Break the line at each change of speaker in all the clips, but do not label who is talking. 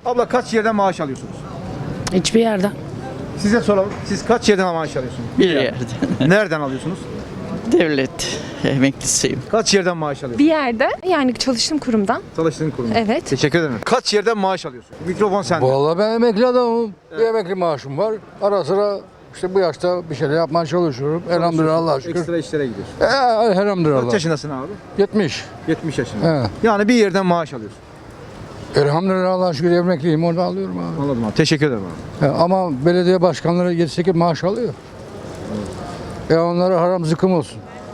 Abla kaç yerden maaş alıyorsunuz?
Hiçbir yerden.
Size soralım. Siz kaç yerden maaş alıyorsunuz?
Bir yerde.
Nereden alıyorsunuz?
Devlet emeklisiyim.
Kaç yerden maaş alıyorsunuz?
Bir yerde, yani çalıştığım kurumdan.
Çalıştığın kurumda.
Evet.
Teşekkür ederim. Kaç yerden maaş alıyorsun? Mikrofon sende.
Vallahi ben emekli adamım. Bir emekli maaşım var. Ara sıra işte bu yaşta bir şeyler yapmaya çalışıyorum. Elhamdülillah Allah'a şükür.
Ekstra işlere gidiyorsun.
Elhamdülillah.
Kaç yaşındasın abi?
70.
70 yaşında.
Evet.
Yani bir yerden maaş alıyorsun.
Elhamdülillah Allah'a şükür emekliyim. Orada alıyorum abi.
Anladım abi. Teşekkür ederim abi.
Ama belediye başkanları 7-8 maaş alıyor. Onlara haram zıkkım olsun.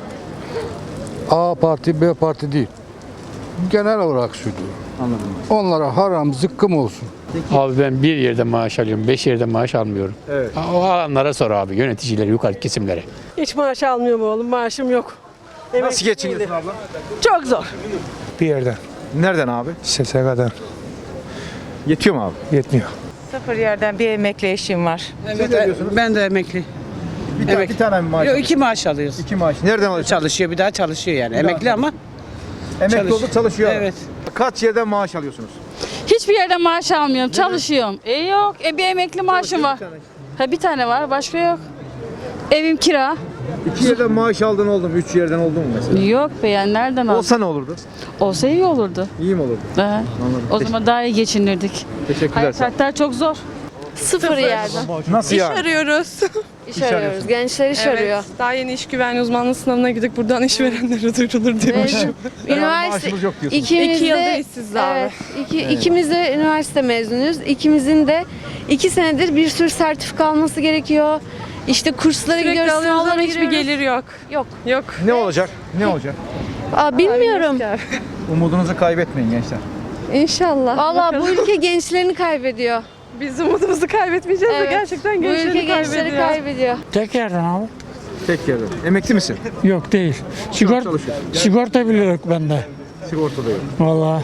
A parti, B parti değil. Genel olarak söylüyorum.
Anladım.
Onlara haram zıkkım olsun.
Abi ben bir yerde maaş alıyorum, 5 yerde maaş almıyorum.
Evet.
O alanlara sor abi, yöneticilere, yukarı kesimlere.
Hiç maaş almıyorum oğlum. Maaşım yok.
Nasıl geçiniyorsun abla?
Çok zor.
Bir yerden.
Nereden abi?
SSK'dan.
Yetiyor mu abi?
Yetmiyor.
Sıfır yerden bir emekli eşim var.
Siz ne diyorsunuz?
Ben de emekli.
Bir tane mi maaş?
Yok, 2 maaş alıyoruz.
2 maaş. Nereden alıyorsun?
Çalışıyor, bir daha çalışıyor yani.
daha
Emekli ama.
Emekli olduk çalışıyor.
Evet.
Kaç yerden maaş alıyorsunuz?
Hiçbir yerden maaş almıyorum. Çalışıyorum. Yok. Bir emekli maaşım var. Bir tane var. Başka yok. Evim kira.
2 yerden maaş aldın oldu mu? 3 yerden oldu mu mesela?
Yok be, yani nereden aldın?
Olsa ne olurdu?
Olsa iyi olurdu.
İyi mi olurdu?
Anladım. O zaman daha iyi geçinirdik.
Teşekkürler.
Hayat şartlar çok zor.
Sıfır yerden.
Nasıl yani?
Arıyoruz.
İş arıyoruz. Gençler iş arıyor.
Daha yeni iş güvenliği uzmanlığı sınavına gidip buradan işverenlere duyurulur diyormuşum.
Üniversite
Maaşımız yok diyorsunuz.
ikimiz
İki yılda
de
işsiz abi.
evet, ikimiz de üniversite mezunuyuz. İkimizin de 2 senedir bir sürü sertifika alması gerekiyor. İşte kurslara
Sürekli
gidiyoruz,
alıyoruz ama
sınavlara
hiçbir
giriyoruz.
gelir yok.
Yok.
Yok.
Ne olacak? Ne olacak?
Bilmiyorum.
Umudunuzu kaybetmeyin gençler.
İnşallah.
Vallahi bu ülke gençlerini kaybediyor.
Biz umudumuzu kaybetmeyeceğiz de
Evet.
gerçekten
Bu ülke
gençleri
gençleri
kaybediyor.
kaybediyor.
Tek yerden abi.
Tek yerden. Emekli misin?
Yok değil.
çalışıyor.
Sigorta bile yok bende.
Sigortada yok.
Vallahi.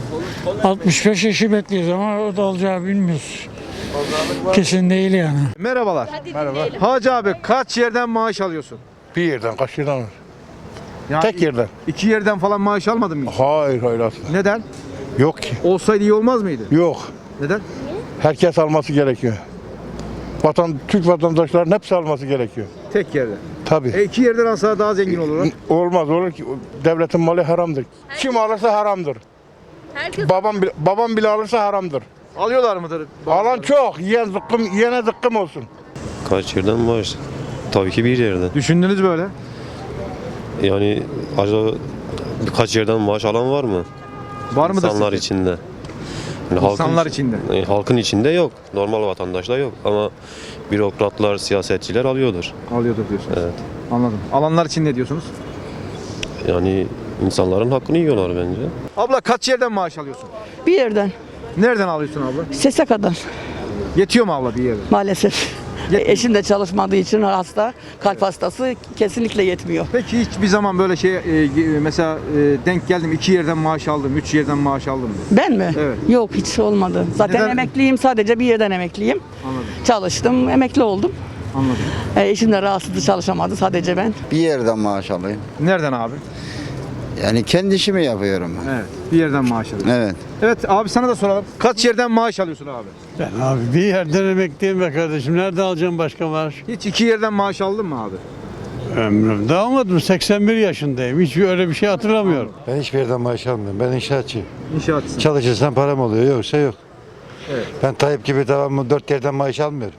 65 yaşı bekliyoruz ama o da olacağı bilmiyoruz. Kesin değil yani.
Merhabalar. Merhaba. Hacı abi kaç yerden maaş alıyorsun?
Bir yerden, kaç yerden?
Yani
Tek yerden.
2 yerden falan maaş almadın mı hiç?
Hayır asla.
Neden?
Yok ki.
Olsaydı iyi olmaz mıydı?
Yok.
Neden?
Herkes alması gerekiyor. Türk vatandaşlarının hepsi alması gerekiyor.
Tek yerden.
Tabii.
2 yerden alsa daha zengin olurlar.
Olmaz olur ki devletin malı haramdır. Kim alırsa haramdır. Babam bile alırsa haramdır.
Alıyorlar mıdır?
Alan çok, yiyene zıkkım olsun.
Kaç yerden maaş? Tabii ki bir yerden.
Düşündünüz böyle.
Yani acaba birkaç yerden maaş alan var mı?
Var mıdır
İnsanlar
sizce?
içinde. Yani
İnsanlar içinde.
Halkın içinde yok. Normal vatandaşta yok. Ama bürokratlar, siyasetçiler alıyordur.
Alıyordur diyorsunuz.
Evet.
Anladım. Alanlar için ne diyorsunuz?
Yani insanların hakkını yiyorlar bence.
Abla kaç yerden maaş alıyorsun?
Bir yerden.
Nereden alıyorsun abla?
SSK'dan
Yetiyor mu abla bir yerden?
maalesef.
Yetmiyor.
Eşim de çalışmadığı için hasta, kalp hastası kesinlikle yetmiyor.
Peki hiçbir zaman böyle mesela denk geldim 2 yerden maaş aldım, 3 yerden maaş aldım diye.
Ben mi?
Evet.
Yok, hiç olmadı. Zaten
Neden?
emekliyim, sadece bir yerden emekliyim.
Anladım.
Çalıştım, emekli oldum.
Anladım.
Eşim de rahatsızdı, çalışamadı, sadece ben.
Bir yerden maaş alayım.
Nereden abi?
Yani kendi işimi yapıyorum.
Evet. Bir yerden maaş alıyorsun.
Evet.
Evet abi sana da soralım. Kaç yerden maaş alıyorsun abi?
Ben abi bir yerden emekliyim be kardeşim. Nerede alacağım başka maaş?
Hiç 2 yerden maaş aldın mı abi?
Ömrümde almadım. 81 yaşındayım. Hiç öyle bir şey hatırlamıyorum.
Ben hiçbir yerden maaş almıyorum. Ben inşaatçıyım.
İnşaatçısın.
Çalışırsan param oluyor, yoksa yok.
Evet.
Ben Tayyip gibi devamlı 4 yerden maaş almıyorum.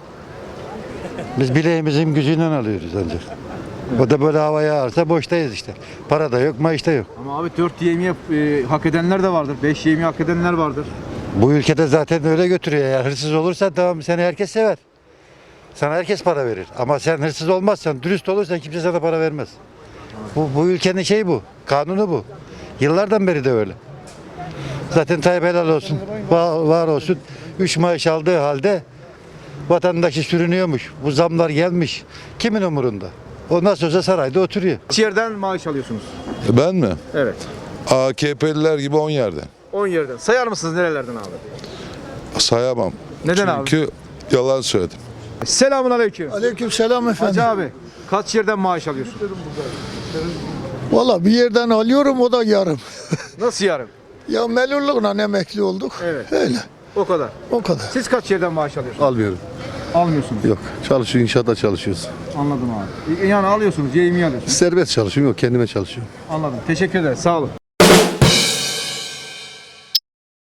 Biz bileğimizin gücüyle alıyoruz ancak. O da böyle havaya ağırsa boştayız işte. Para da yok, maaş da yok.
Ama abi 4 yemeği hak edenler de vardır. 5 yemeği hak edenler vardır.
Bu ülkede zaten öyle götürüyor. Eğer hırsız olursan tamam, seni herkes sever. Sana herkes para verir. Ama sen hırsız olmazsan, dürüst olursan kimse sana para vermez. Bu ülkenin şeyi bu. Kanunu bu. Yıllardan beri de öyle. Zaten Tayyip helal olsun. Var olsun. 3 maaş aldığı halde vatandaşı sürünüyormuş. Bu zamlar gelmiş. Kimin umurunda? O nasıl olsa sarayda oturuyor.
Kaç yerden maaş alıyorsunuz?
Ben mi?
Evet.
AKP'liler gibi 10 yerden.
10 yerden. Sayar mısınız nerelerden abi?
Sayamam.
Neden abi?
Çünkü yalan söyledim.
Selamun aleyküm.
Aleykümselam efendim.
Hacı abi kaç yerden maaş alıyorsun?
Valla bir yerden alıyorum, o da yarım.
Nasıl yarım?
Ya melurluğuna emekli olduk.
Evet.
Öyle.
O kadar.
O kadar.
Siz kaç yerden maaş alıyorsunuz?
Almıyorum.
Almıyorsunuz.
Yok. Çalışıyor, inşaatta çalışıyoruz.
Anladım abi. Yani alıyorsunuz, yemeği alıyorsunuz.
Serbest çalışıyorum, yok kendime çalışıyorum.
Anladım. Teşekkür ederim. Sağ olun.